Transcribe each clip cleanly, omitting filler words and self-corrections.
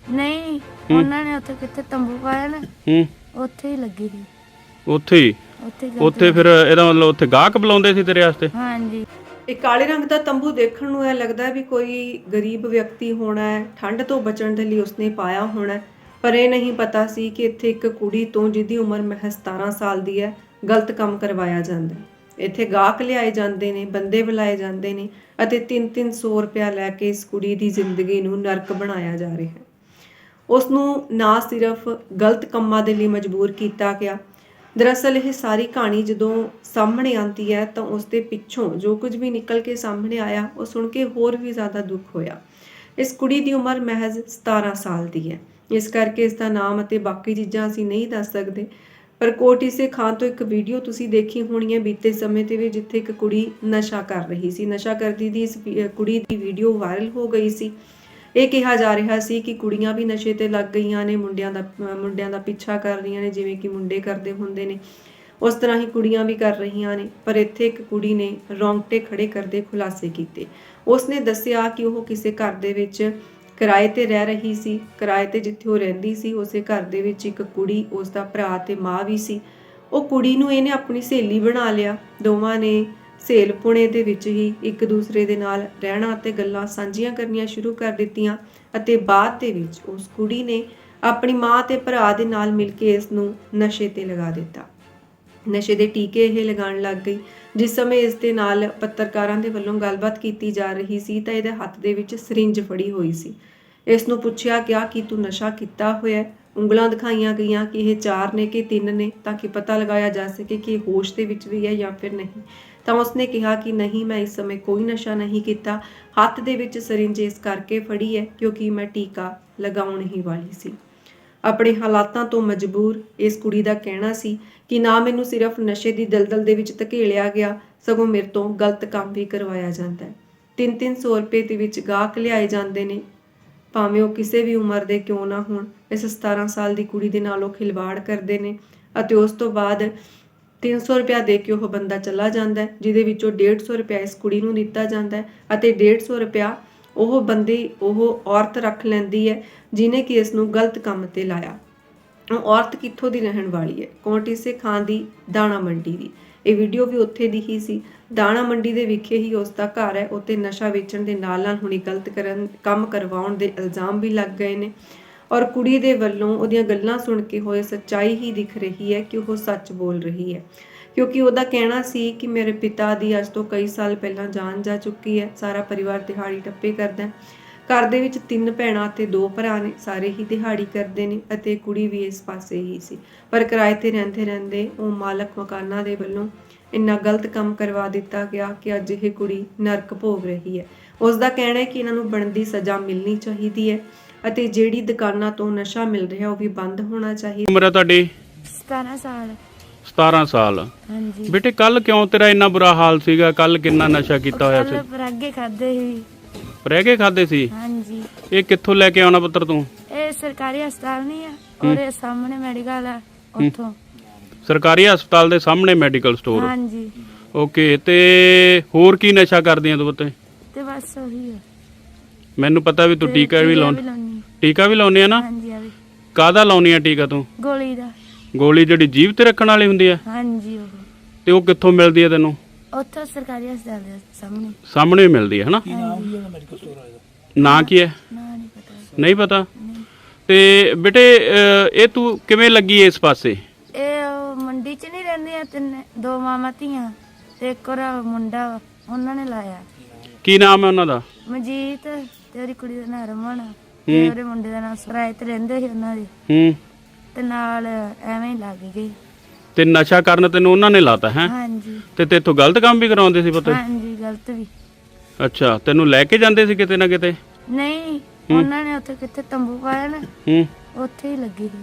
ਨਹੀਂ ਉਹਨਾਂ ਨੇ ਉੱਥੇ ਕਿੱਥੇ ਤੰਬੂ ਪਾਇਆ ਨਾ ਉੱਥੇ ਹੀ ਲੱਗੀ ਸੀ। ਉੱਥੇ ਫਿਰ ਇਹਦਾ ਮਤਲਬ ਉੱਥੇ ਗਾਹਕ ਬੁਲਾਉਂਦੇ ਸੀ ਤੇਰੇ ਵਾਸਤੇ? ਹਾਂਜੀ। ਇਹ ਕਾਲੇ ਰੰਗ ਦਾ ਤੰਬੂ ਦੇਖਣ ਨੂੰ ਇਹ ਲੱਗਦਾ ਵੀ ਕੋਈ ਗਰੀਬ ਵਿਅਕਤੀ ਹੋਣਾ ਹੈ, ਠੰਡ ਤੋਂ ਬਚਣ ਦੇ ਲਈ ਉਸਨੇ ਪਾਇਆ ਹੋਣਾ, ਪਰ ਇਹ ਨਹੀਂ ਪਤਾ ਸੀ ਕਿ ਇੱਥੇ ਇੱਕ ਕੁੜੀ ਤੋਂ ਜਿਹਦੀ ਉਮਰ ਮਹਿਜ਼ 17 ਸਾਲ ਦੀ ਹੈ ਗਲਤ ਕੰਮ ਕਰਵਾਇਆ ਜਾਂਦਾ ਹੈ। ਇੱਥੇ ਗਾਹਕ ਲਿਆਏ ਜਾਂਦੇ ਨੇ, ਬੰਦੇ ਬੁਲਾਏ ਜਾਂਦੇ ਨੇ ਅਤੇ 3-300 ਰੁਪਇਆ ਲੈ ਕੇ ਇਸ ਕੁੜੀ ਦੀ ਜ਼ਿੰਦਗੀ ਨੂੰ ਨਰਕ ਬਣਾਇਆ ਜਾ ਰਿਹਾ ਹੈ। ਉਸ ਨੂੰ ਨਾ ਸਿਰਫ ਗਲਤ ਕੰਮਾਂ ਦੇ ਲਈ ਮਜਬੂਰ ਕੀਤਾ ਗਿਆ, ਦਰਅਸਲ ਇਹ ਸਾਰੀ ਕਹਾਣੀ ਜਦੋਂ ਸਾਹਮਣੇ ਆਉਂਦੀ ਹੈ ਤਾਂ ਉਸ ਦੇ ਪਿੱਛੋਂ ਜੋ ਕੁਝ ਵੀ ਨਿਕਲ ਕੇ ਸਾਹਮਣੇ ਆਇਆ ਉਹ ਸੁਣ ਕੇ ਹੋਰ ਵੀ ਜ਼ਿਆਦਾ ਦੁੱਖ ਹੋਇਆ। ਇਸ ਕੁੜੀ ਦੀ ਉਮਰ ਮਹਿਜ਼ 17 ਸਾਲ ਦੀ ਹੈ, ਇਸ ਕਰਕੇ ਇਸ ਦਾ ਨਾਮ ਅਤੇ ਬਾਕੀ ਚੀਜ਼ਾਂ ਅਸੀਂ ਨਹੀਂ ਦੱਸ ਸਕਦੇ। ਪਰ ਕੋਟ ਇਸੇ ਖਾਂ ਤੋਂ ਇੱਕ ਵੀਡੀਓ ਤੁਸੀਂ ਦੇਖੀ ਹੋਣੀ ਹੈ ਬੀਤੇ ਸਮੇਂ ਤੇ ਵੀ, ਜਿੱਥੇ ਇੱਕ ਕੁੜੀ ਨਸ਼ਾ ਕਰ ਰਹੀ ਸੀ। ਨਸ਼ਾ ਕਰਦੀ ਦੀ ਇਸ ਕੁੜੀ ਦੀ ਵੀਡੀਓ ਵਾਇਰਲ ਹੋ ਗਈ ਸੀ। ਇਹ ਕਿਹਾ ਜਾ ਰਿਹਾ ਸੀ ਕਿ ਕੁੜੀਆਂ ਵੀ ਨਸ਼ੇ ਤੇ ਲੱਗ ਗਈਆਂ ਨੇ, ਮੁੰਡਿਆਂ ਦਾ ਪਿੱਛਾ ਕਰ ਰਹੀਆਂ ਨੇ, ਜਿਵੇਂ ਕਿ ਮੁੰਡੇ ਕਰਦੇ ਹੁੰਦੇ ਨੇ ਉਸ ਤਰ੍ਹਾਂ ਹੀ ਕੁੜੀਆਂ ਵੀ ਕਰ ਰਹੀਆਂ ਨੇ। ਪਰ ਇੱਥੇ ਇੱਕ ਕੁੜੀ ਨੇ ਰੌਂਗਟੇ ਖੜੇ ਕਰਦੇ ਖੁਲਾਸੇ ਕੀਤੇ। ਉਸਨੇ ਦੱਸਿਆ ਕਿ ਉਹ ਕਿਸੇ ਘਰ ਦੇ ਵਿੱਚ ਕਿਰਾਏ ਤੇ ਰਹਿ ਰਹੀ ਸੀ। ਕਿਰਾਏ ਤੇ ਜਿੱਥੇ ਉਹ ਰਹਿੰਦੀ ਸੀ ਉਸੇ ਘਰ ਦੇ ਵਿੱਚ ਇੱਕ ਕੁੜੀ, ਉਸ ਦਾ ਭਰਾ ਤੇ ਮਾਂ ਵੀ ਸੀ। ਉਹ ਕੁੜੀ ਨੂੰ ਇਹਨੇ ਆਪਣੀ ਸਹੇਲੀ ਬਣਾ ਲਿਆ। ਦੋਵਾਂ ਨੇ ਸਹੇਲਪੁਣੇ ਦੇ ਵਿੱਚ ਹੀ ਇੱਕ ਦੂਸਰੇ ਦੇ ਨਾਲ ਰਹਿਣਾ ਅਤੇ ਗੱਲਾਂ ਸਾਂਝੀਆਂ ਕਰਨੀਆਂ ਸ਼ੁਰੂ ਕਰ ਦਿੱਤੀਆਂ ਅਤੇ ਬਾਅਦ ਦੇ ਵਿੱਚ ਉਸ ਕੁੜੀ ਨੇ ਆਪਣੀ ਮਾਂ ਤੇ ਭਰਾ ਦੇ ਨਾਲ ਮਿਲ ਕੇ ਇਸ ਨੂੰ ਨਸ਼ੇ ਤੇ ਲਗਾ ਦਿੱਤਾ। ਨਸ਼ੇ ਦੇ ਟੀਕੇ ਇਹ ਲਗਾਉਣ ਲੱਗ ਗਈ। ਜਿਸ ਸਮੇਂ ਇਸ ਦੇ ਨਾਲ ਪੱਤਰਕਾਰਾਂ ਦੇ ਵੱਲੋਂ ਗੱਲਬਾਤ ਕੀਤੀ ਜਾ ਰਹੀ ਸੀ ਤਾਂ ਇਹਦੇ ਹੱਥ ਦੇ ਵਿੱਚ ਸਰਿੰਜ ਫੜੀ ਹੋਈ ਸੀ। ਇਸ ਨੂੰ ਪੁੱਛਿਆ ਗਿਆ ਕਿ ਤੂੰ ਨਸ਼ਾ ਕੀਤਾ ਹੋਇਆ? ਉਂਗਲਾਂ ਦਿਖਾਈਆਂ ਗਈਆਂ ਕਿ ਇਹ 4 ਨੇ ਕਿ 3 ਨੇ, ਤਾਂ ਕਿ ਪਤਾ ਲਗਾਇਆ ਜਾ ਸਕੇ ਕਿ ਇਹ ਹੋਸ਼ ਦੇ ਵਿੱਚ ਵੀ ਹੈ ਜਾਂ ਫਿਰ ਨਹੀਂ। ਤਾਂ ਉਸਨੇ ਕਿਹਾ ਕਿ ਨਹੀਂ, ਮੈਂ ਇਸ ਸਮੇਂ ਕੋਈ ਨਸ਼ਾ ਨਹੀਂ ਕੀਤਾ। ਹੱਥ ਦੇ ਵਿੱਚ ਸਰਿੰਜ ਇਸ ਕਰਕੇ ਫੜੀ ਹੈ ਕਿਉਂਕਿ ਮੈਂ ਟੀਕਾ ਲਗਾਉਣ ਹੀ ਵਾਲੀ ਸੀ। ਆਪਣੇ ਹਾਲਾਤਾਂ ਤੋਂ ਮਜਬੂਰ ਇਸ ਕੁੜੀ ਦਾ ਕਹਿਣਾ ਸੀ ਕਿ ਨਾ ਮੈਨੂੰ ਸਿਰਫ ਨਸ਼ੇ ਦੀ ਦਲਦਲ ਦੇ ਵਿੱਚ ਧਕੇਲਿਆ ਗਿਆ, ਸਗੋਂ ਮੇਰੇ ਤੋਂ ਗਲਤ ਕੰਮ ਵੀ ਕਰਵਾਇਆ ਜਾਂਦਾ ਹੈ। 3-300 ਰੁਪਏ ਦੇ ਵਿੱਚ ਗਾਹਕ ਲਿਆਏ ਜਾਂਦੇ ਨੇ, ਭਾਵੇਂ ਉਹ ਕਿਸੇ ਵੀ ਉਮਰ ਦੇ ਕਿਉਂ ਨਾ ਹੋਣ। ਇਸ 17 ਸਾਲ ਦੀ ਕੁੜੀ ਦੇ ਨਾਲ ਉਹ ਖਿਲਵਾੜ ਕਰਦੇ ਨੇ ਅਤੇ ਉਸ ਤੋਂ ਬਾਅਦ 300 ਰੁਪਇਆ ਦੇ ਕੇ ਉਹ ਬੰਦਾ ਚਲਾ ਜਾਂਦਾ ਹੈ, ਜਿਹਦੇ ਵਿੱਚੋਂ 150 ਰੁਪਇਆ ਇਸ ਕੁੜੀ ਨੂੰ ਦਿੱਤਾ ਜਾਂਦਾ ਹੈ ਅਤੇ 150 ਰੁਪਇਆ ਉਹ ਔਰਤ ਰੱਖ ਲੈਂਦੀ ਹੈ ਜਿਹਨੇ ਕਿ ਇਸ ਨੂੰ ਗਲਤ ਕੰਮ ਤੇ ਲਾਇਆ। ਉਹ ਔਰਤ ਕਿੱਥੋਂ ਦੀ ਰਹਿਣ ਵਾਲੀ ਹੈ? ਕੋਟ ਇਸੇ ਖਾਂ ਦੀ ਦਾਣਾ ਮੰਡੀ ਦੀ। ਇਹ ਵੀਡੀਓ ਵੀ ਉੱਥੇ ਦੀ ਹੀ ਸੀ। ਦਾਣਾ ਮੰਡੀ ਦੇ ਵਿਖੇ ਹੀ ਉਸ ਦਾ ਘਰ ਹੈ। ਉੱਤੇ ਨਸ਼ਾ ਵੇਚਣ ਦੇ ਨਾਲ ਹੁਣੀ ਗਲਤ ਕੰਮ ਕਰਵਾਉਣ ਦੇ ਇਲਜ਼ਾਮ ਵੀ ਲੱਗ ਗਏ ਨੇ ਔਰ ਕੁੜੀ ਦੇ ਵੱਲੋਂ ਉਹਦੀਆਂ ਗੱਲਾਂ ਸੁਣ ਕੇ ਹੋਏ ਸੱਚਾਈ ਹੀ ਦਿਖ ਰਹੀ ਹੈ ਕਿ ਉਹ ਸੱਚ ਬੋਲ ਰਹੀ ਹੈ, ਕਿਉਂਕਿ ਉਹਦਾ ਕਹਿਣਾ ਸੀ ਕਿ ਮੇਰੇ ਪਿਤਾ ਦੀ ਅੱਜ ਤੋਂ ਕਈ ਸਾਲ ਪਹਿਲਾਂ ਜਾਨ ਜਾ ਚੁੱਕੀ ਹੈ। ਸਾਰਾ ਪਰਿਵਾਰ ਦਿਹਾੜੀ ਟੱਪੇ ਕਰਦਾ ਹੈ। ਘਰ ਦੇ ਵਿੱਚ 3 ਭੈਣਾਂ ਤੇ 2 ਭਰਾ ਨੇ, ਸਾਰੇ ਹੀ ਦਿਹਾੜੀ ਕਰਦੇ ਨੇ ਅਤੇ ਕੁੜੀ ਵੀ ਇਸ ਪਾਸੇ ਹੀ ਸੀ। ਪਰ ਕਿਰਾਏ ਤੇ ਰਹਿੰਦੇ ਉਹ ਮਾਲਕ ਮਕਾਨਾਂ ਦੇ ਵੱਲੋਂ ਇੰਨਾ ਗਲਤ ਕੰਮ ਕਰਵਾ ਦਿੱਤਾ ਗਿਆ ਕਿ ਅੱਜ ਇਹ ਕੁੜੀ ਨਰਕ ਭੋਗ ਰਹੀ ਹੈ। ਉਸ ਦਾ ਕਹਿਣਾ ਹੈ ਕਿ ਇਹਨਾਂ ਨੂੰ ਬਣਦੀ ਸਜ਼ਾ ਮਿਲਣੀ ਚਾਹੀਦੀ ਹੈ ਅਤੇ ਜਿਹੜੀ ਦੁਕਾਨਾਂ ਤੋਂ ਨਸ਼ਾ ਮਿਲ ਰਿਹਾ ਉਹ ਵੀ ਬੰਦ ਹੋਣਾ ਚਾਹੀਦਾ। ਉਮਰ ਹੈ ਤੁਹਾਡੀ? 17 ਸਾਲ। 17 ਸਾਲ। ਹਾਂਜੀ ਬੇਟੇ ਕੱਲ ਕਿਉਂ ਤੇਰਾ ਇੰਨਾ ਬੁਰਾ ਹਾਲ ਸੀਗਾ? ਕੱਲ ਕਿੰਨਾ ਨਸ਼ਾ ਕੀਤਾ ਹੋਇਆ ਸੀ? ਪਰਾਗੇ ਖਾਦੇ ਸੀ। ਪਰਾਗੇ ਖਾਦੇ ਸੀ? ਹਾਂਜੀ। ਇਹ ਕਿੱਥੋਂ ਲੈ ਕੇ ਆਉਣਾ ਪੁੱਤਰ ਤੂੰ? ਇਹ ਸਰਕਾਰੀ ਹਸਪਤਾਲ ਨਹੀਂ ਆ, ਉਹਦੇ ਸਾਹਮਣੇ ਮੈਡੀਕਲ ਆ, ਉੱਥੋਂ। ਸਰਕਾਰੀ ਹਸਪਤਾਲ ਦੇ ਸਾਹਮਣੇ ਮੈਡੀਕਲ ਸਟੋਰ? ਹਾਂਜੀ। ਓਕੇ। ਤੇ ਹੋਰ ਕੀ ਨਸ਼ਾ ਕਰਦੀਆਂ ਤੂੰ ਪੁੱਤੇ? ਤੇ ਬਸ ਉਹੀ ਆ। ਮੈਨੂੰ ਪਤਾ ਵੀ ਤੂੰ ਟੀਕਾ ਵੀ ਲਾਉਣੀ। ਟੀਕਾ ਵੀ ਲਾਉਣੀ ਆ ਨਾ? ਹਾਂਜੀ। ਆ ਵੀ ਕਾਹਦਾ ਲਾਉਣੀ ਆ ਟੀਕਾ ਤੂੰ? ਗੋਲੀ ਦਾ। ਗੋਲੀ ਜਿਹੜੀ ਜੀਭ ਤੇ ਰੱਖਣ ਵਾਲੀ ਹੁੰਦੀ ਆ? ਹਾਂਜੀ। ਉਹ ਤੇ ਉਹ ਕਿੱਥੋਂ ਮਿਲਦੀ ਆ ਤੈਨੂੰ? ਉੱਥੋਂ ਸਰਕਾਰੀ ਹਸਪਤਾਲ ਦੇ ਸਾਹਮਣੇ ਹੀ ਮਿਲਦੀ ਹੈ ਹਨਾ? ਨਾਂ ਕੀ ਹੈ? ਨਹੀਂ ਪਤਾ। ਤੇ ਬੇਟੇ ਇਹ ਤੂੰ ਕਿਵੇਂ ਲੱਗੀ ਇਸ ਪਾਸੇ? ਇਹ ਮੰਡੀ 'ਚ ਨਹੀਂ ਰਹਿੰਦੀਆਂ 2 ਮਾਮਾ ਧੀਆਂ ਤੇ ਇੱਕ ਮੁੰਡਾ, ਉਹਨਾਂ ਨੇ ਲਾਇਆ। ਕੀ ਨਾਮ ਹੈ ਉਹਨਾਂ ਦਾ? ਮਜੀਤ ਤੇ ਉਹਦੀ ਕੁੜੀ ਦਾ ਨਾਮ ਰਮਨ ਤੇ ਉਹਦੇ ਮੁੰਡੇ ਦਾ ਨਾਮ ਸਰਾਏ ਤੇ ਰਹਿੰਦੇ ਸੀ ਉਹਨਾਂ ਦੇ। ਤੇ ਨਾਲ ਐਵੇਂ ਹੀ ਲੱਗ ਗਈ। ਤੇ ਨਸ਼ਾ ਕਰਨ ਤੈਨੂੰ ਉਹਨਾਂ ਨੇ ਲਾਤਾ ਹੈ? ਹਾਂਜੀ। ਤੇ ਤੇਥੋਂ ਗਲਤ ਕੰਮ ਵੀ ਕਰਾਉਂਦੇ ਸੀ ਪੁੱਤ? ਹਾਂਜੀ, ਗਲਤ ਵੀ। ਅੱਛਾ, ਤੈਨੂੰ ਲੈ ਕੇ ਜਾਂਦੇ ਸੀ ਕਿਤੇ ਨਾ ਕਿਤੇ? ਨਹੀਂ, ਉਹਨਾਂ ਨੇ ਉੱਥੇ ਕਿੱਥੇ ਤੰਬੂ ਪਾਇਆ ਨਾ ਉੱਥੇ ਹੀ ਲੱਗੀ ਸੀ।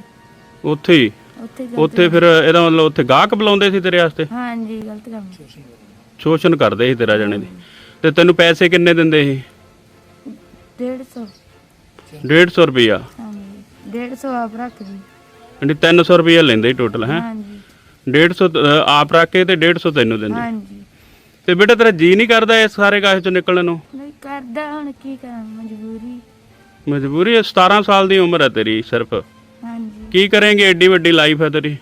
ਉੱਥੇ ਫਿਰ ਇਹਦਾ ਮਤਲਬ ਉੱਥੇ ਗਾਹਕ ਬੁਲਾਉਂਦੇ ਸੀ ਤੇਰੇ ਵਾਸਤੇ? ਹਾਂਜੀ, ਗਲਤ ਕੰਮ। ਸ਼ੋਸ਼ਣ ਕਰਦੇ ਸੀ ਤੇਰਾ ਜਣੇ ਦੀ। ਤੇ ਤੈਨੂੰ ਪੈਸੇ ਕਿੰਨੇ ਦਿੰਦੇ ਸੀ? 150। 150 ਰੁਪਇਆ? ਹਾਂਜੀ, 150 ਆਪ ਰੱਖਦੀ। 300 ਰੁਪਇਆ ਲੈਂਦੇ ਟੋਟਲ ਹੈ? ਹਾਂਜੀ। 150 ਆਪ ਰੱਖ ਕੇ ਤੇ 150 ਤੈਨੂੰ ਦਿੰਦੇ? ਹਾਂਜੀ। ਤੇ ਬੇਟਾ ਤੇਰਾ ਜੀ ਨਹੀਂ ਕਰਦਾ ਇਸ ਸਾਰੇ ਕਾਹੇ ਚੋਂ ਨਿਕਲਣ ਨੂੰ? ਨਹੀਂ ਕਰਦਾ, ਹੁਣ ਕੀ ਕਰਾਂ, ਮਜਬੂਰੀ। ਮਜਬੂਰੀ ਹੈ। 17 ਸਾਲ ਦੀ ਉਮਰ ਹੈ ਤੇਰੀ ਸਿਰਫ। ਹਾਂਜੀ। ਕੀ ਕਰੇਂਗੇ, ਐਡੀ ਵੱਡੀ ਲਾਈਫ ਹੈ ਤੇਰੀ।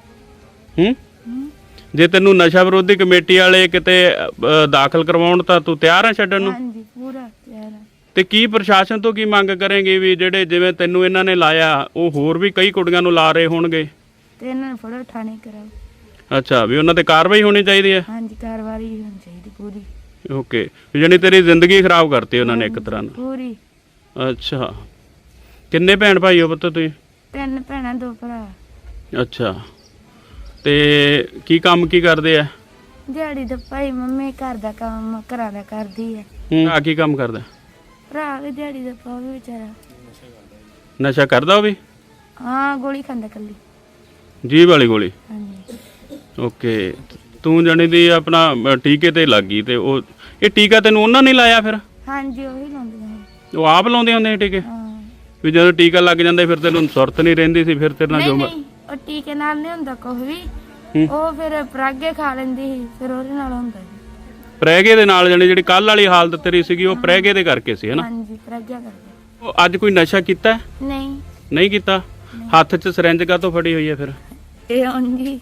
ਜੇ ਤੈਨੂੰ ਨਸ਼ਾ ਵਿਰੋਧੀ ਕਮੇਟੀ ਵਾਲੇ ਕਿਤੇ ਦਾਖਲ ਕਰਵਾਉਣ ਤਾਂ ਤੂੰ ਤਿਆਰ ਹੈ ਛੱਡਣ ਨੂੰ? ਹਾਂਜੀ ਪੂਰਾ ਤਿਆਰ ਆ। ਤੇ ਕੀ ਪ੍ਰਸ਼ਾਸਨ ਤੋਂ ਕੀ ਮੰਗ ਕਰੇਂਗੇ ਵੀ ਜਿਹੜੇ ਜਿਵੇਂ ਤੈਨੂੰ ਇਹਨਾਂ ਨੇ ਲਾਇਆ ਉਹ ਹੋਰ ਵੀ ਕਈ ਕੁੜੀਆਂ ਨੂੰ ਲਾ ਰਹੇ ਹੋਣਗੇ? ਤੇ ਇਹਨਾਂ ਨੂੰ ਫੜੋ ਥਾਣੇ ਕਰਾਓ। ਅੱਛਾ, ਵੀ ਉਹਨਾਂ ਤੇ ਕਾਰਵਾਈ ਹੋਣੀ ਚਾਹੀਦੀ ਹੈ। ਹਾਂਜੀ ਕਾਰਵਾਈ ਹੋਣੀ ਚਾਹੀਦੀ ਪੂਰੀ। ਓਕੇ, ਜਾਣੀ ਤੇਰੀ ਜ਼ਿੰਦਗੀ ਖਰਾਬ ਕਰਤੀ ਉਹਨਾਂ ਨੇ ਇੱਕ ਤਰ੍ਹਾਂ ਨਾਲ। ਪੂਰੀ। ਅੱਛਾ, ਕਿੰਨੇ ਭੈਣ ਭਾਈ ਹੋ ਪੁੱਤ ਤੁਸੀਂ? 3 ਭੈਣਾਂ 2 ਭਰਾ। ਅੱਛਾ, ਤੇ ਕੀ ਕੰਮ ਕੀ ਕਰਦੇ ਆ? ਦਿਹਾੜੀ ਦਾ ਭਾਈ, ਮੰਮੀ ਘਰ ਦਾ ਕੰਮ ਘਰਾਂ ਦਾ ਕਰਦੀ ਹੈ। ਆ ਕੀ ਕੰਮ ਕਰਦਾ? ਭਰਾ ਵੀ ਦਿਹਾੜੀ ਦਾ ਪਾ ਵੀ ਵਿਚਾਰਾ ਨਸ਼ਾ ਕਰਦਾ ਉਹ ਵੀ? ਹਾਂ ਗੋਲੀ ਖਾਂਦਾ ਕੱਲੀ। ਜੀਭ ਵਾਲੀ ਗੋਲੀ? ਹਾਂਜੀ। ਓਕੇ, ਤੂੰ ਜਾਣੀ ਦੀ ਆਪਣਾ ਟੀਕੇ ਤੇ ਲੱਗ ਗਈ। ਤੇ ਉਹ ਇਹ ਟੀਕਾ ਤੈਨੂੰ ਉਹਨਾਂ ਨੇ ਲਾਇਆ ਫਿਰ? ਹਾਂਜੀ ਉਹੀ ਲਾਉਂਦੀਆਂ ਨੇ। ਉਹ ਆਪ ਲਾਉਂਦੇ ਹੁੰਦੇ ਸੀ ਟੀਕੇ? ਹਾਂ। ਵੀ ਜਦੋਂ ਟੀਕਾ ਲੱਗ ਜਾਂਦਾ ਫਿਰ ਤੈਨੂੰ ਸੁਰਤ ਨਹੀਂ ਰਹਿੰਦੀ ਸੀ? ਫਿਰ ਤੇਰੇ ਨਾਲ ਨਹੀਂ ਜੋ ਨਹੀਂ, ਉਹ ਟੀਕੇ ਨਾਲ ਨਹੀਂ ਹੁੰਦਾ ਕੁਝ ਵੀ। ਉਹ ਫਿਰ ਪਰਾਗੇ ਖਾ ਲੈਂਦੀ ਸੀ, ਫਿਰ ਉਹਦੇ ਨਾਲ ਹੁੰਦਾ ਸੀ। ਪ੍ਰੈਗੇ ਦੇ ਨਾਲ? ਜਾਣੀ ਜਿਹੜੀ ਕੱਲ ਵਾਲੀ ਹਾਲਤ ਤੇਰੀ ਸੀਗੀ ਉਹ ਪ੍ਰੈਗੇ ਦੇ ਕਰਕੇ ਸੀ, ਹਨਾ? ਹਾਂਜੀ ਪਰਾਗਿਆ ਕਰਕੇ। ਉਹ ਅੱਜ ਕੋਈ ਨਸ਼ਾ ਕੀਤਾ ਹੈ? ਨਹੀਂ। ਨਹੀਂ ਕੀਤਾ? ਹੱਥ 'ਚ ਸਿਰੰਜ ਕਾਹਤੋਂ ਫੜੀ ਹੋਈ ਹੈ ਫਿਰ? ਇਹ ਹਾਂਜੀ।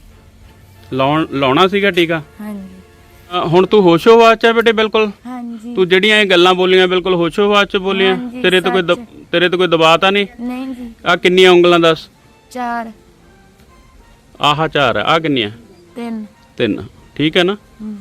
ਲਾਉਣਾ ਸੀਗਾ ਟੀਕਾ? ਹਾਂਜੀ। ਹੁਣ ਤੂੰ ਹੋਸ਼ੋ-ਹਵਾਸ 'ਚ ਹੈ ਬੇਟੇ? ਬਿਲਕੁਲ। ਹਾਂਜੀ। ਤੂੰ ਜਿਹੜੀਆਂ ਇਹ ਗੱਲਾਂ ਬੋਲੀਆਂ ਬਿਲਕੁਲ ਹੋਸ਼ੋ-ਹਵਾਸ 'ਚ ਬੋਲੀਆਂ? ਹਾਂਜੀ, ਤੇਰੇ ਤੇ ਕੋਈ ਦਬਾਅ ਤਾਂ ਨਹੀਂ? ਨਹੀਂ ਜੀ। ਆ ਕਿੰਨੀਆਂ ਉਂਗਲਾਂ ਦੱਸ? 4। ਆਹ 4 ਆ ਕਿੰਨੀਆਂ? 3। 3। ਠੀਕ ਹੈ ਨਾ?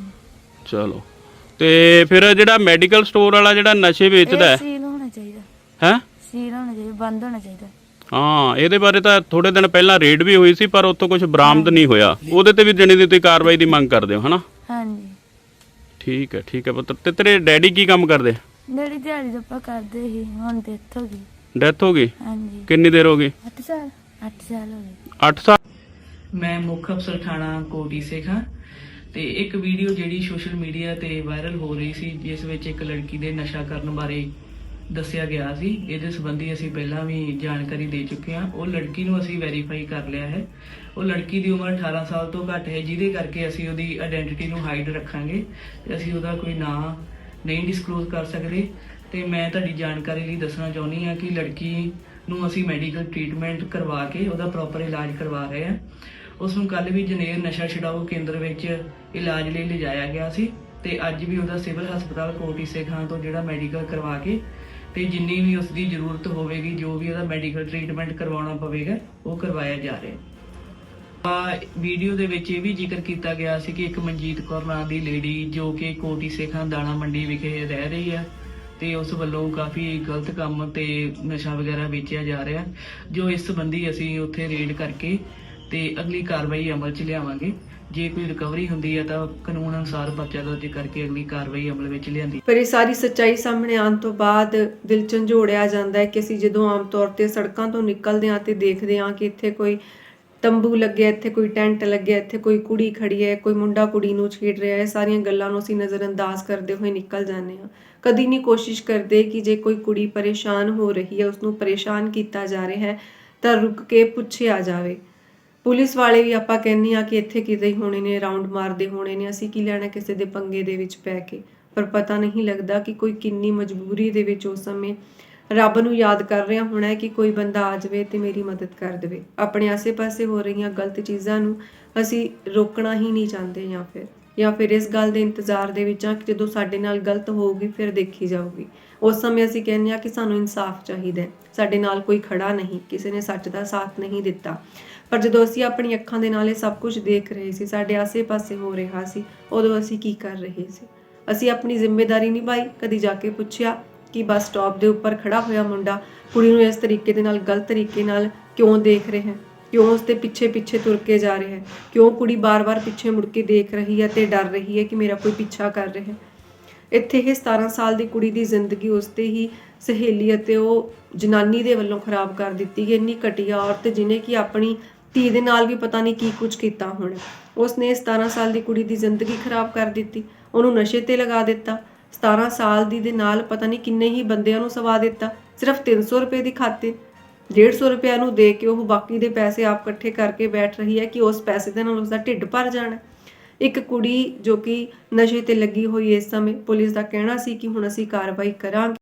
ਚਲੋ, ਤੇ ਫਿਰ ਜਿਹੜਾ ਮੈਡੀਕਲ ਸਟੋਰ ਵਾਲਾ ਜਿਹੜਾ ਨਸ਼ੇ ਵੇਚਦਾ ਹੈ, ਸੀਲ ਹੋਣਾ ਚਾਹੀਦਾ। ਹੈ? ਸੀਲ ਹੋਣਾ ਚਾਹੀਦਾ, ਬੰਦ ਹੋਣਾ ਚਾਹੀਦਾ। ਹਾਂ, ਇਹਦੇ ਬਾਰੇ ਤਾਂ ਥੋੜੇ ਦਿਨ ਪਹਿਲਾਂ ਰੇਡ ਵੀ ਹੋਈ ਸੀ ਪਰ ਉੱਥੋਂ ਕੁਝ ਬਰਾਮਦ ਨਹੀਂ ਹੋਇਆ। ਉਹਦੇ ਤੇ ਵੀ ਜਣੀ ਦੀ ਤੁਸੀਂ ਕਾਰਵਾਈ ਦੀ ਮੰਗ ਕਰਦੇ ਹੋ, ਹਨਾ? ਹਾਂਜੀ। ਠੀਕ ਹੈ ਪੁੱਤਰ। ਤੇ ਤੇਰੇ ਡੈਡੀ ਕੀ ਕੰਮ ਕਰਦੇ? ਡੈਡੀ ਦਿਹਾੜੀ ਦਾ ਆਪਾਂ ਕਰਦੇ ਸੀ, ਹੁਣ ਡੈਥ ਹੋ ਗਈ। ਡੈਥ ਹੋ ਗਈ? ਹਾਂਜੀ। ਕਿੰਨੀ ਦੇਰ ਹੋ ਗਈ? 8 ਸਾਲ। 8 ਸਾਲ ਹੋ ਗਏ। 8 ਸਾਲ? ਮੈਂ ਮੁੱਖ ਅਫਸਰ ਥਾਣਾ ਕੋਟੀ ਸਿੱਖ ਹਾਂ ਤੇ ਇੱਕ ਵੀਡੀਓ ਜਿਹੜੀ ਸੋਸ਼ਲ ਮੀਡੀਆ ਤੇ ਵਾਇਰਲ ਹੋ ਰਹੀ ਸੀ ਜਿਸ ਵਿੱਚ ਇੱਕ ਲੜਕੀ ਦੇ ਨਸ਼ਾ ਕਰਨ ਬਾਰੇ ਦੱਸਿਆ ਗਿਆ ਸੀ। ਇਹਦੇ ਸੰਬੰਧੀ ਅਸੀਂ ਪਹਿਲਾਂ ਵੀ ਜਾਣਕਾਰੀ ਦੇ ਚੁੱਕੇ ਹਾਂ। ਉਹ ਲੜਕੀ ਨੂੰ ਅਸੀਂ ਵੈਰੀਫਾਈ ਕਰ ਲਿਆ ਹੈ। ਉਹ ਲੜਕੀ ਦੀ ਉਮਰ 18 ਸਾਲ ਤੋਂ ਘੱਟ ਹੈ, ਜਿਹਦੇ ਕਰਕੇ ਅਸੀਂ ਉਹਦੀ ਆਇਡੈਂਟੀਟੀ ਨੂੰ ਹਾਈਡ ਰੱਖਾਂਗੇ ਤੇ ਅਸੀਂ ਉਹਦਾ ਕੋਈ ਨਾਂ ਨਹੀਂ ਡਿਸਕਲੋਜ਼ ਕਰ ਸਕਦੇ। ਤੇ ਮੈਂ ਤੁਹਾਡੀ ਜਾਣਕਾਰੀ ਲਈ ਦੱਸਣਾ ਚਾਹੁੰਦੀ ਹਾਂ ਕਿ ਲੜਕੀ ਨੂੰ ਅਸੀਂ ਮੈਡੀਕਲ ਟ੍ਰੀਟਮੈਂਟ ਕਰਵਾ ਕੇ ਉਹਦਾ ਪ੍ਰੋਪਰ ਇਲਾਜ ਕਰਵਾ ਰਹੇ ਹਾਂ। ਉਸ ਨੂੰ ਕੱਲ ਵੀ ਜਨੇਰ ਨਸ਼ਾ ਛੁਡਾਊ ਕੇਂਦਰ ਵਿੱਚ ਇਲਾਜ ਲਈ ਲਿਜਾਇਆ ਗਿਆ ਸੀ ਤੇ ਅੱਜ ਵੀ ਉਹਦਾ ਸਿਵਲ ਹਸਪਤਾਲ ਕੋਟੀ ਸੇਖਾਂ ਤੋਂ ਜਿਹੜਾ ਮੈਡੀਕਲ ਕਰਵਾ ਕੇ ਤੇ ਜਿੰਨੀ ਵੀ ਉਸ ਦੀ ਜ਼ਰੂਰਤ ਹੋਵੇਗੀ, ਜੋ ਵੀ ਉਹਦਾ ਮੈਡੀਕਲ ਟ੍ਰੀਟਮੈਂਟ ਕਰਵਾਉਣਾ ਪਵੇਗਾ, ਉਹ ਕਰਵਾਇਆ ਜਾ ਰਿਹਾ। ਵੀਡੀਓ ਦੇ ਵਿੱਚ ਇਹ ਵੀ ਜ਼ਿਕਰ ਕੀਤਾ ਗਿਆ ਸੀ ਕਿ ਇੱਕ ਮਨਜੀਤ ਕੌਰ ਨਾਂ ਦੀ ਲੇਡੀ ਜੋ ਕਿ ਕੋਟੀ ਸੇਖਾਂ ਦਾਣਾ ਮੰਡੀ ਵਿਖੇ ਰਹਿ ਰਹੀ ਹੈ ਤੇ ਉਸ ਵੱਲੋਂ ਕਾਫੀ ਗਲਤ ਕੰਮ ਤੇ ਨਸ਼ਾ ਵਗੈਰਾ ਵੇਚਿਆ ਜਾ ਰਿਹਾ, ਜੋ ਇਸ ਸੰਬੰਧੀ ਅਸੀਂ ਉੱਥੇ ਰੇਡ ਕਰਕੇ ਤੇ ਅਗਲੀ ਕਾਰਵਾਈ ਅਮਲ 'ਚ ਲਿਆਵਾਂਗੇ। ਜੇ ਕੋਈ ਰਿਕਵਰੀ ਹੁੰਦੀ ਹੈ ਤਾਂ ਕਾਨੂੰਨ ਅਨੁਸਾਰ ਪਰਚਾ ਦਰਜ ਕਰਕੇ ਅਗਲੀ ਕਾਰਵਾਈ ਅਮਲ ਵਿੱਚ ਲਿਆਂਦੀ। ਪਰ ਇਹ ਸਾਰੀ ਸੱਚਾਈ ਸਾਹਮਣੇ ਆਉਣ ਤੋਂ ਬਾਅਦ ਦਿਲ ਝੰਜੋੜਿਆ ਜਾਂਦਾ ਹੈ ਕਿ ਅਸੀਂ ਜਦੋਂ ਆਮ ਤੌਰ ਤੇ ਸੜਕਾਂ ਤੋਂ ਨਿਕਲਦੇ ਹਾਂ ਤੇ ਦੇਖਦੇ ਹਾਂ ਕਿ ਇੱਥੇ ਕੋਈ ਤੰਬੂ ਲੱਗਿਆ, ਇੱਥੇ ਕੋਈ ਟੈਂਟ ਲੱਗਿਆ, ਇੱਥੇ ਕੋਈ ਕੁੜੀ ਖੜੀ ਹੈ, ਕੋਈ ਮੁੰਡਾ ਕੁੜੀ ਨੂੰ ਛੇੜ ਰਿਹਾ ਹੈ, ਸਾਰੀਆਂ ਗੱਲਾਂ ਨੂੰ ਅਸੀਂ ਨਜ਼ਰਅੰਦਾਜ਼ ਕਰਦੇ ਹੋਏ ਨਿਕਲ ਜਾਂਦੇ ਹਾਂ। ਕਦੀ ਨਹੀਂ ਕੋਸ਼ਿਸ਼ ਕਰਦੇ ਕਿ ਜੇ ਕੋਈ ਕੁੜੀ ਪਰੇਸ਼ਾਨ ਹੋ ਰਹੀ ਹੈ, ਉਸਨੂੰ ਪਰੇਸ਼ਾਨ ਕੀਤਾ ਜਾ ਰਿਹਾ ਹੈ ਤਾਂ ਰੁਕ ਕੇ ਪੁੱਛਿਆ ਜਾਵੇ। ਪੁਲਿਸ ਵਾਲੇ ਵੀ ਆਪਾਂ ਕਹਿੰਦੇ ਆ ਕਿ ਇੱਥੇ ਕਿਤੇ ਹੀ ਹੋਣੇ ਨੇ, ਰਾਉਂਡ ਮਾਰਦੇ ਹੋਣੇ ਨੇ, ਅਸੀਂ ਕੀ ਲੈਣਾ ਕਿਸੇ ਦੇ ਪੰਗੇ ਦੇ ਵਿੱਚ ਪੈ ਕੇ। ਪਰ ਪਤਾ ਨਹੀਂ ਲੱਗਦਾ ਕਿ ਕੋਈ ਕਿੰਨੀ ਮਜਬੂਰੀ ਦੇ ਵਿੱਚ ਉਸ ਸਮੇਂ ਰੱਬ ਨੂੰ ਯਾਦ ਕਰ ਰਿਹਾ ਹੋਣਾ ਹੈ ਕਿ ਕੋਈ ਬੰਦਾ ਆ ਜਾਵੇ ਤੇ ਮੇਰੀ ਮਦਦ ਕਰ ਦੇਵੇ। ਆਪਣੇ ਆਸੇ-ਪਾਸੇ ਹੋ ਰਹੀਆਂ ਗਲਤ ਚੀਜ਼ਾਂ ਨੂੰ ਅਸੀਂ ਰੋਕਣਾ ਹੀ ਨਹੀਂ ਚਾਹੁੰਦੇ ਜਾਂ ਫਿਰ ਇਸ ਗੱਲ ਦੇ ਇੰਤਜ਼ਾਰ ਦੇ ਵਿੱਚ ਆ ਕਿ ਜਦੋਂ ਸਾਡੇ ਨਾਲ ਗਲਤ ਹੋਊਗੀ ਫਿਰ ਦੇਖੀ ਜਾਊਗੀ। ਉਸ ਸਮੇਂ ਅਸੀਂ ਕਹਿੰਦੇ ਆ ਕਿ ਸਾਨੂੰ ਇਨਸਾਫ ਚਾਹੀਦਾ ਹੈ, ਸਾਡੇ ਨਾਲ ਕੋਈ ਖੜਾ ਨਹੀਂ, ਕਿਸੇ ਨੇ ਸੱਚ ਦਾ ਸਾਥ ਨਹੀਂ ਦਿੱਤਾ। ਪਰ ਜਦੋਂ ਅਸੀਂ ਆਪਣੀ ਅੱਖਾਂ ਦੇ ਨਾਲ ਇਹ ਸਭ ਕੁਝ ਦੇਖ ਰਹੇ ਸੀ, ਸਾਡੇ ਆਸੇ-ਪਾਸੇ ਹੋ ਰਿਹਾ ਸੀ, ਉਦੋਂ ਅਸੀਂ ਕੀ ਕਰ ਰਹੇ ਸੀ? ਅਸੀਂ ਆਪਣੀ ਜ਼ਿੰਮੇਵਾਰੀ ਨਿਭਾਈ? ਕਦੀ ਜਾ ਕੇ ਪੁੱਛਿਆ ਕਿ ਬੱਸ ਸਟਾਪ ਦੇ ਉੱਪਰ ਖੜਾ ਹੋਇਆ ਮੁੰਡਾ ਕੁੜੀ ਨੂੰ ਇਸ ਤਰੀਕੇ ਦੇ ਨਾਲ ਗਲਤ ਤਰੀਕੇ ਨਾਲ ਕਿਉਂ ਦੇਖ ਰਿਹਾ ਹੈ, ਕਿਉਂ ਉਸ ਦੇ ਪਿੱਛੇ ਤੁਰ ਕੇ ਜਾ ਰਿਹਾ ਹੈ, ਕਿਉਂ ਕੁੜੀ ਬਾਰ-ਬਾਰ ਪਿੱਛੇ ਮੁੜ ਕੇ ਦੇਖ ਰਹੀ ਹੈ ਤੇ ਡਰ ਰਹੀ ਹੈ ਕਿ ਮੇਰਾ ਕੋਈ ਪਿੱਛਾ ਕਰ ਰਿਹਾ ਹੈ? ਇੱਥੇ ਇਹ 17 ਸਾਲ ਦੀ ਕੁੜੀ ਦੀ ਜ਼ਿੰਦਗੀ ਉਸਤੇ ਹੀ ਸਹੇਲੀ ਅਤੇ ਉਹ ਜਨਾਨੀ ਦੇ ਵੱਲੋਂ ਖਰਾਬ ਕਰ ਦਿੱਤੀ ਗਈ। ਇੰਨੀ ਘਟੀਆ ਔਰਤ ਜਿਹਨੇ ਕਿ ਆਪਣੀ ਧੀ ਦੇ ਨਾਲ ਵੀ ਪਤਾ ਨਹੀਂ ਕੀ ਕੁਝ ਕੀਤਾ ਹੋਣਾ। ਉਸਨੇ 17 ਸਾਲ ਦੀ ਕੁੜੀ ਦੀ ਜ਼ਿੰਦਗੀ ਖਰਾਬ ਕਰ ਦਿੱਤੀ, ਉਹਨੂੰ ਨਸ਼ੇ ਤੇ ਲਗਾ ਦਿੱਤਾ। 17 ਸਾਲ ਦੀ ਦੇ ਨਾਲ ਪਤਾ ਨਹੀਂ ਕਿੰਨੇ ਹੀ ਬੰਦਿਆਂ ਨੂੰ ਸਵਾ ਦਿੱਤਾ, ਸਿਰਫ 300 ਰੁਪਏ ਦੀ ਖਾਤੇ। 150 ਰੁਪਏ ਨੂੰ ਦੇ ਕੇ ਉਹ ਬਾਕੀ ਦੇ ਪੈਸੇ ਆਪ ਇਕੱਠੇ ਕਰਕੇ ਬੈਠ ਰਹੀ ਹੈ ਕਿ ਉਸ ਪੈਸੇ ਦੇ ਨਾਲ ਉਸਦਾ ਢਿੱਡ ਭਰ ਜਾਣਾ। ਇੱਕ ਕੁੜੀ ਜੋ ਕਿ ਨਸ਼ੇ ਤੇ ਲੱਗੀ ਹੋਈ ਇਸ ਸਮੇਂ, ਪੁਲਿਸ ਦਾ ਕਹਿਣਾ ਸੀ ਕਿ ਹੁਣ ਅਸੀਂ ਕਾਰਵਾਈ ਕਰਾਂਗੇ।